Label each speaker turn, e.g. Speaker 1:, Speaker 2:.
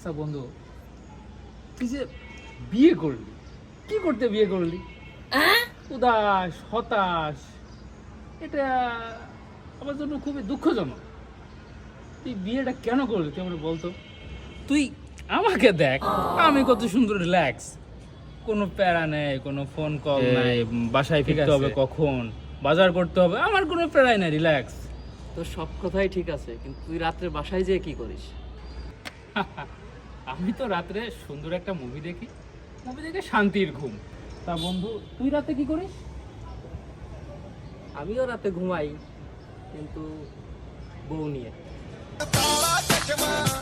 Speaker 1: আচ্ছা বন্ধু, তুই যে বিয়ে করলি, কি করতে বিয়ে করলি? উদাস, হতাশ, এটা আমার জন্য খুবই দুঃখজনক। তুই বিয়েটা কেন করলি তুই আমার বলতো? তুই আমাকে দেখ, আমি কত সুন্দর রিল্যাক্স, কোনো প্যারা নেই, কোনো ফোন কল নাই, বাসায় ফিরতে হবে কখন, বাজার করতে হবে, আমার কোনো প্যারাই নাই, রিল্যাক্স।
Speaker 2: তোর সব কথাই ঠিক আছে, কিন্তু তুই রাত্রে বাসায় যেয়ে কি করিস?
Speaker 1: আমি তো রাত্রে সুন্দর একটা মুভি দেখি, মুভি দেখে শান্তির ঘুম। তা বন্ধু, তুই রাতে কি করিস?
Speaker 2: আমিও রাতে ঘুমাই, কিন্তু বউ নিয়ে।